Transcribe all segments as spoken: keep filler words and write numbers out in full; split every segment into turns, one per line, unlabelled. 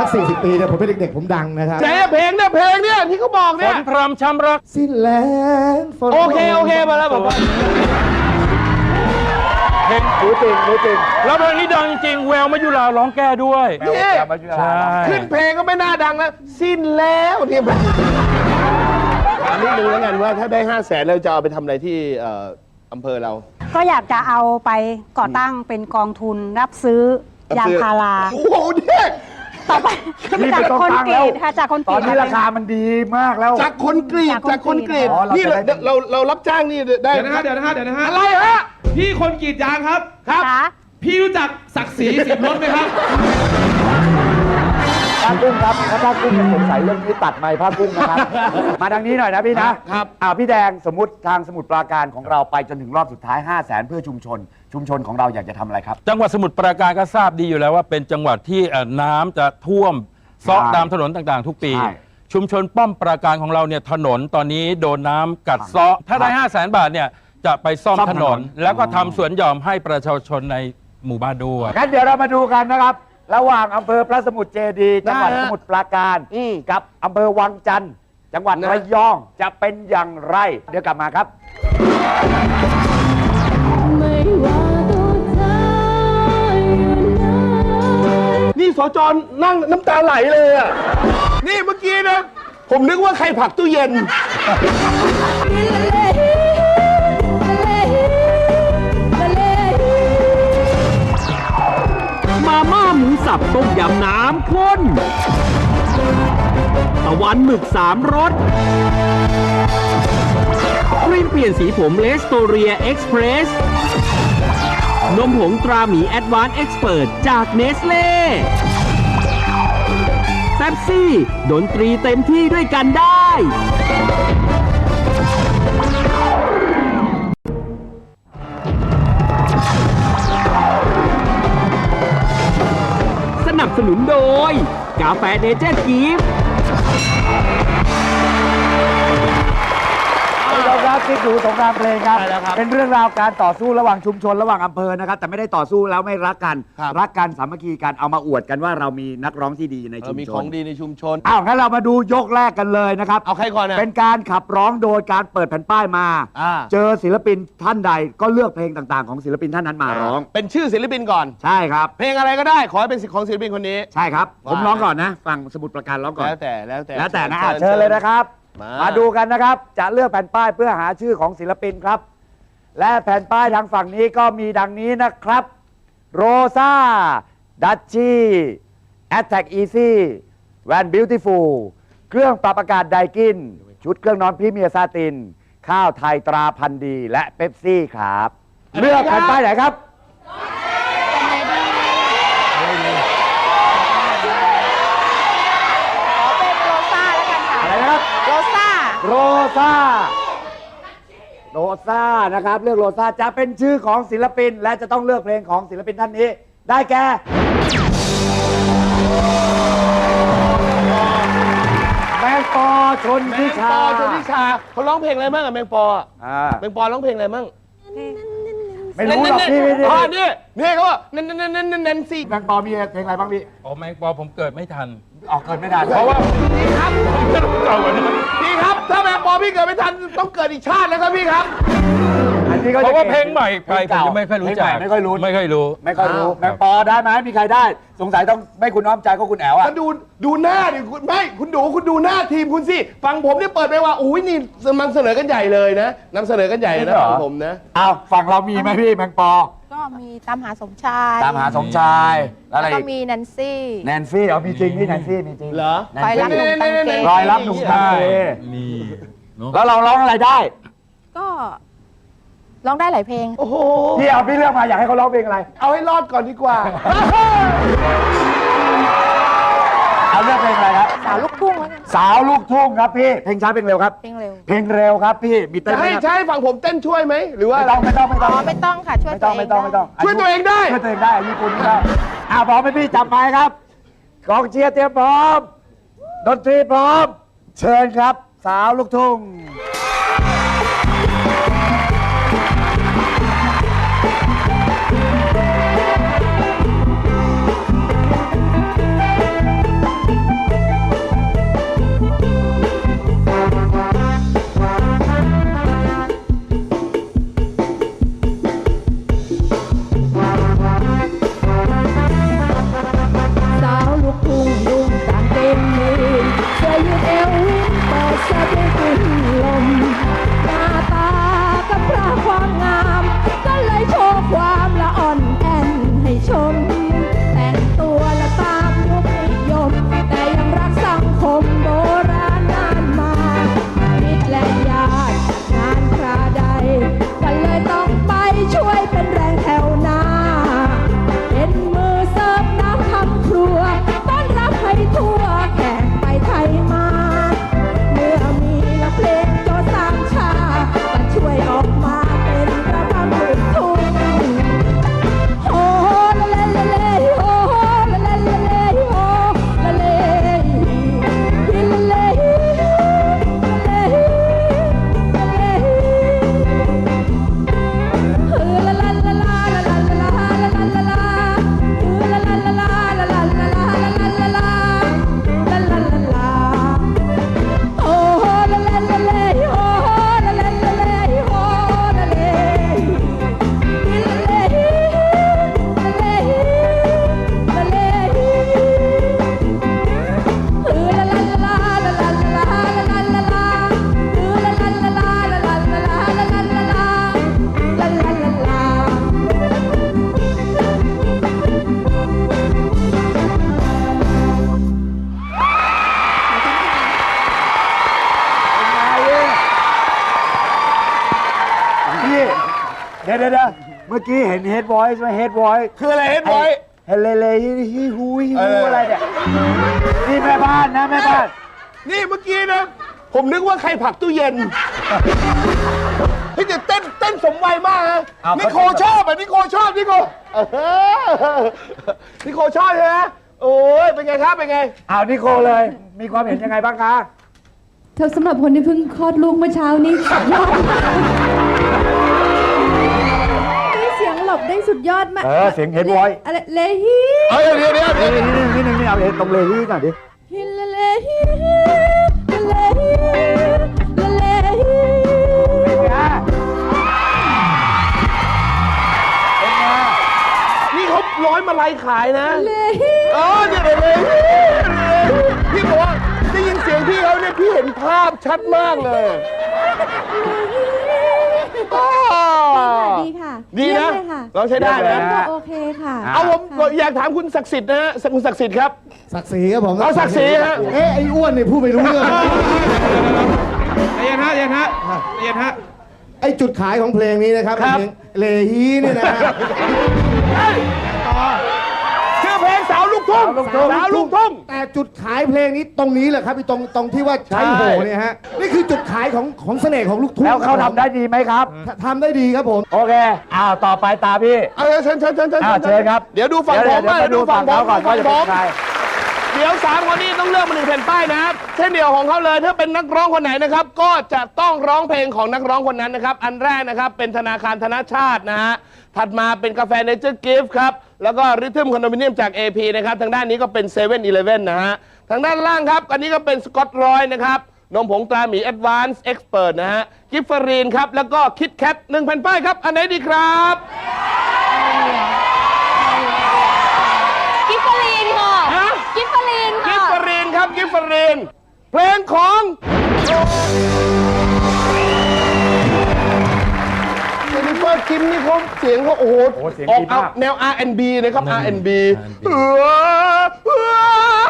สี่สิบปีเนี่ยผมเป็นเด็กๆผมดังนะครับ
เจ๊เพลงเนี่ยเพลงเนี่ยที่เขาบอก
ฝ
เนี่ย
นพรำช้ำรัก
สิ้นแรงฝน
โอเคโอเคมาแล้วผม
เพลง
รู้จริงรู้จริง
แล้วเพลงนี้ดังจริงแววมายุราร้องแก้ด้วย
นี่
ใช่
ขึ้นเพลงก็ไม่น่าดังแล้วสิ้นแล้วเนี่ยถามนิดนึงแล้วกันว่าถ้าได้ห้าแสนเราจะเอาไปทำอะไรที่เอ่ออำเภอเรา
ก็อยากจะเอาไปก่อตั้งเป็นกองทุนรับซื้อยางพารา
โอ้โหเนี่ย
ต่อไป
นี่
จาก
เป็น
คน
กอง
ก
ตั้
รี
ง
ดค่ะจากคนก
ต
รี
อ
ด
นนี้ราคามันดีมากแล้ว
จากคนกรีดจากคนกรีด
อ๋อเรา
นี่
จะ
เรา
ได้
เราเรารับจ้างนี่ได้
เดี๋ยวนะฮะเดี๋ยวนะฮะเดี๋ยวนะฮะ
อะไรฮะ
พี่คนกรีดยางครับ
ครับ
ค่ะ
พี่รู้จักศักดิ์ศรีสิบรถไหมครับ
ผ้ากุ้งครับถ้าผ้ากุ้งยังสงสัยเรื่องนี้ตัดไมค์ผ้ากุ้งนะครับ มาทางนี้หน่อยนะพี่นะครับ อ่าพี่แดงสมมติทางสมุทรปราการของเราไปจนถึงรอบสุดท้าย ห้าแสนเพื่อชุมชน ชุมชนของเราอยากจะทำอะไรครับ
จังหวัดสมุทรปราการก็ทราบดีอยู่แล้วว่าเป็นจังหวัดที่เอ่อน้ำจะท่วมซอก
ใช่
ตามถนนต่างๆ ทุกปี
ใช่
ชุมชนป้อมปราการของเราเนี่ยถนนตอนนี้โดนน้ำกัดเซาะถ้าได้ห้าแสนบาทเนี่ยจะไปซ่อม
ซ่อม
ถ
ถ
น
น
น
น
แล้วก็ทำสวนหย่อมให้ประชาชนในหมู่บ้านด้วย
งั้นเดี๋ยวเรามาดูกันนะครับ ระหว่างอำเภอพระสมุทรเจดีย์จังหวัด
ได้ฮะ
สมุทรปราการ
อืม
กับอำเภอวังจันทร์จังหวัด
นะ
ระยองจะเป็นอย่างไร เดี๋ยวกลับมาครับ
ไม่ว่าตัวเธออยู่ไหน
นี่สจนั่งน้ำตาไหลเลยอ่ะนี่เมื่อกี้นะผมนึกว่าใครผลักตู้เย็น
มาม่าหมูสับต้มยำน้ำข้น ตะวันหมึกสามรสครีมเปลี่ยนสีผมเลสโตเรียเอ็กซ์เพรส นมผงตราหมีแอดวานซ์เอ็กซ์เพิร์จากเนสเล่เป๊ปซี่ ดนตรีเต็มที่ด้วยกันได้ สนับสนุนโดย กาแฟเนเจอร์กิฟต์
คุณผู้ชมครับที่ดูสงครามเพลงครับ
ใช่แล้วครับ
เป็นเรื่องราวการต่อสู้ระหว่างชุมชนระหว่างอำเภอนะครับ แต่ไม่ได้ต่อสู้แล้วไม่รักกัน
ครับ
รักกันสามัคคีกันเอามาอวดกันว่าเรามีนักร้องที่ดีใน
เอ
ชุ
อ
ม
มี
ช
ของ
น
ดีในชุมชน
อ้าวงั้นเรามาดูยกแรกกันเลยนะครับ
เอาใครก่อนนะ
เป็นการขับร้องโดยการเปิดแผ่นป้ายมา
อ่า
เจอศิลปินท่านใดก็เลือกเพลงต่างๆ ของศิลปินท่านนั้นมาร้อง
เป็นชื่อศิลปินก่อน
ใช่ครับ
เพลงอะไรก็ได้ขอให้เป็นสิทธิ์ของศิลปินคนนี้
ใช่ครับ ผม
ว่า
ร้องก่อนนะฟังสมุดประการร้องก่อน
แล้วแต่แล้วแต่
แล้วแต่นะอ่ะเชิญเลยนะครับ
มา
มาดูกันนะครับ จะเลือกแผ่นป้ายเพื่อหาชื่อของศิลปินครับ และแผ่นป้ายทางฝั่งนี้ก็มีดังนี้นะครับโรซาดัชชี่แอตแทกอีซี่แวนบิวตี้ฟูลเครื่องปรับอากาศไดกิน ชุดเครื่องนอนพรีเมียร์ซาติน ข้าวไทยตราพันธุ์ดี และเป๊ปซี่ครับ เลือกแผ่นป้ายไหนครับ
ขอเป็นโรซ่าแล้วกันค่ะ
อะไรนะครับ
โรซ่า
โรซาโรซานะครับ เลือกโรซาจะเป็นชื่อของศิลปิน และจะต้องเลือกเพลงของศิลปินท่านนี้ ได้แก่แมงปอชน
แม
ทิ
ง
ชา
ปอชนทิชาเขาร้องเพลงอะไรบ้างอะแมงปออะ
อ่า
แมงปอร้องเพลงอะไรบ้าง
ไม่รู้หรอกพี่พี่
อ๋อ
พี่
นี่นี่เขาว่าเน้นเน้นเน้นเน้นเน้นสิ
แมงปอมีเพลงอะไรบ้างพี่
โอ้แมงปอผมเกิดไม่ทัน
ออกเกินไม่ทัน
เพราะว่านี่ครับเก่ากว่านี้
พี่ครับ ถ้าแมงปอพี่เกิดไม่ทันต้องเกิดอีกชาติแล้วครับพี่ครับ
อันนี้ก็
เพ
จะ
ราะว่าเพลงใหม่ไปผมจะไม่ค่อยรู้จัก
เพลงใหม่ไม่ค่อยรู้
ไม่ค่อยรู้
ไม่ค่อยรู้
อ้าว
แมงปอได้ไหมมีใครได้ สงสัยต้องไม่คุณอ้อมใจก็คุณแอ๋วอ่ะ
ก็ดูดูหน้าดิคุณไม่คุณดูคุณดูหน้าทีมคุณสิฟังผมเนี่ยเปิดไปว่าอุ้ยนี่มันเสนอกันใหญ่เลยนะนำเสนอกันใหญ่
จริง
นะ
เหรอ
ฟังผมนะ
อ้าวฝั่งเรามีไหมพี่แมงปอ
ก็มีตามหาสมชาย
ตามหาสมชายแล้วอะไร
แล้วก็
อีก
มีแนนซี่
แนนซี่เอามีจริงพี่แนนซี่มีจริง
เหรอ
แนน
คอยรักห
ซี่
นุ่มตังเกง
รอยรับหนุ่มไทย
มีเนอะ
แล้วเราร้องอะไรได้
ก็ร้องได้หลายเพลง
โอ้โห
พี่เอาพี่เลือกมาอยากให้เขาร้องเพลงอะไร
เอาให้รอดก่อนดีกว่า
เอาเลือกเพลงอะไรครับ
สาวลูกทุ่งแล้วกัน
สาวลูกทุ่งครับพี่เพลงช้าเพลงเร็วครับ
เพลงเร็ว
เพลงเร็วครับพี่มีเต้น
จะ
ไหม
ให้
ครับ
ใช้ฝั่งผมเต้นช่วยไหมหรือว่า
ไม่ต้องไม่ต้องไม่
อ๋
ต้อง
อไม่ต้องค่ะ ช่วย
ไม่
ตั
ต้
ว
อง
เอ
ไม่
ง
ต้องไม่ต้อง
ช่วยตัวเองได้
ช่วยตัวเองได้ญี่ปุ่นได้อ่าพร้อมไหมพี่จับไม้ครับกองเชียร์เตรียมพร้อมดนตรีพร้อม เชิญครับ สาวลูกทุ่งเดี๋ยวเดี๋ยวเมื่อกี้เห็นเฮด voice ไหมเฮด voice
คืออะไรเฮ็ดไว้
เฮเลเลฮิฮิฮูฮิฮูอะไรเนี่ยนี่แม่บ้านนะแม่บ้าน
นี่เมื่อกี้นะ ผมนึกว่าใครผลักตู้เย็นพี่จะเต้นเต้นสมวัยมากนะ
อ้าว
นิโคชอบอ่ะนิโคชอบนิโคเออนิโคชอบใช่ไหมโอ้ยเป็นไงครับเป็นไง
อ้าวนิโคเลย มีความเห็นยังไงบ้างคะ
ถ้าสำหรับคนที่เพิ่งคลอดลูกเมื่อเช้านี้สุดยอดได้เสียงหลบได้สุดยอดมาก
เออเสียงเฮด voice
อะไรเลฮี
เอ้ยเดี๋ยวเดี๋ยวเดี๋ยว
นี่นี่นี่นี่นี่เอาเฮดตรงเลฮีหน่อยดิ
ฮิลาเลฮีเลฮีเลฮี
เป็นไงเป็นไง
นี่เขาร้อยมาลัยขายนะ
เลฮี
เออเนี่ยเลยเลยพี่บอกว่าได้ยินเสียงพี่เขาเนี่ยพี่เห็นภาพชัดมากเลยอ้าว
ดีค่ะ
ดีนะ
เยี่ยมเลยค่ะ
เราใช้ได้นะ
ก็โอเคค่ะ
เอาผมอยากถามคุณศักดิ์สิทธิ์นะฮะคุณศักดิ์สิทธิ์ครับ
ศักดิ์ศรีครับผม
เอาศักดิ์ศรีฮะ
เอ๊ะไอ้อ้วนนี่พูดไม่รู้เรื่อง
ใจเย็นฮะใจเย็นฮะใจเย็นฮะ
ไอ้จุดขายของเพลงนี้นะครับ
ครับ
เพลงเลฮีเนี่ยนะฮะ
ชื่อเพลงสาวลูกทุ่งสาวลูกทุ่ง
แต่จุดขายเพลงนี้ตรงนี้แหละครับไอ้ตรงตรงที่ว่าใช้โหเนี่ยฮะนี่คือจุดขายของของเสน่ห์ของลูกทุ่ง
แล้วเขาทำได้ดีไหมครับ
ทำได้ดีครับผม
โอเค อ้าว ต่อไปตาพี่
เอาเชิญเชิญเชิญเชิญ
อ้าวเชิญครับ
เดี๋ยวดูฝั่งผม
เดี๋ยว
บ้าง
เดี๋ยว
ดู
ดู
ฝั่
ฝั่
ง
ง
ผม
เขาก่อนว่าจะ
ฝั่
เป็
ง
น
ผม
ใคร
เดี๋ยวสามคนนี้ต้องเลือกมาหนึ่งแผ่นป้ายนะครับเช่นเดียวของเขาเลยถ้าเป็นนักร้องคนไหนนะครับ ก็จะต้องร้องเพลงของนักร้องคนนั้นนะครับ อันแรกนะครับเป็นธนาคารธนชาตินะฮะถัดมาเป็นกาแฟเนเจอร์กิฟต์ครับแล้วก็ริทึมคอนโดมิเนียมจาก เอ พี นะครับทางด้านนี้ก็เป็นเซเว่นอีเลฟเว่นนะฮะทางด้านล่างครับอันนี้ก็เป็นสกอตรอยนะครับนมผงตราหมีแอดวานซ์เอ็กซ์เพิร์นะฮะกิฟฟรีนครับแล้วก็คิดแคทหนึ่งแผ่นป้ายครับอันไหนดีครับ
กิฟฟรีนค่ะ
ฮะ
กิฟฟรีน
กิ
ค่ะ
ฟฟรีนครับกิฟฟรีนเพลงของเจนนิเฟอร์คิมนี่เขาเสียงเขาโอ้โห
โอ้เสียง
ออก
ดีมาก
แนว อาร์ แอนด์ บี นะครับ อาร์ แอนด์ บี เออเออ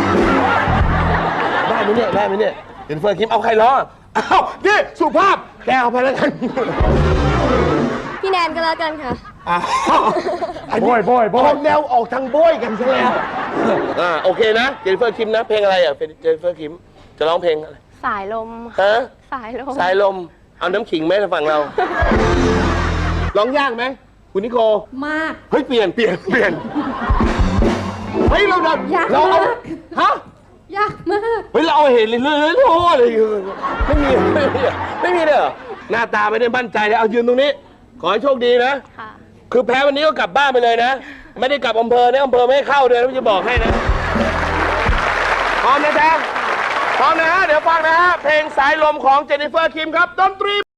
ได้ไหมเนี่ยได้ไหมเนี่ยเจนนิเฟอร์คิมเอาใครร้องอ้าวนี่สุภาพแกเอาไปแล้วกัน
พี่แนนก็แล้วกันค่ะ
อ้าวอันนี้
โบ้ยโบ้ยโบ้ย
ออกแนวออกทางโบยกันซะแล้วอ่าโอเคนะเจนนิเฟอร์คิมนะเพลงอะไรอ่ะเจนนิเฟอร์คิมจะร้องเพลงอะไร
สายลม
ฮะ
สายลม
สายลม เอาน้ำขิงไหมฝั่งเรา ร้องยากไหม คุณนิโค
มาก
เฮ้ย เปลี่ยน เปลี่ยน เปลี่ยน เฮ้ย เราเรา
ยาก
เราเอา
มาก
ฮะ
ยากมาก
เฮ้ย เราเอาเห็นเลยเลยโอ้โหอะไรอย่างเงี้ยไม่มี ไม่มี ไม่มีเลยเหรอ หน้าตาไม่ได้มั่นใจเลยเอายืนตรงนี้ ขอให้โชคดีนะ
ค่ะ
คือแพ้วันนี้ก็กลับบ้านไปเลยนะ ไม่ได้กลับอำเภอนะอำเภอไม่ให้เข้าเลยนะจะบอกให้นะ พร้อมนะจ๊ะพร้อมนะฮะ เดี๋ยวฟังนะฮะ เพลงสายลมของเจนนิเฟอร์คิมครับ ดนตรี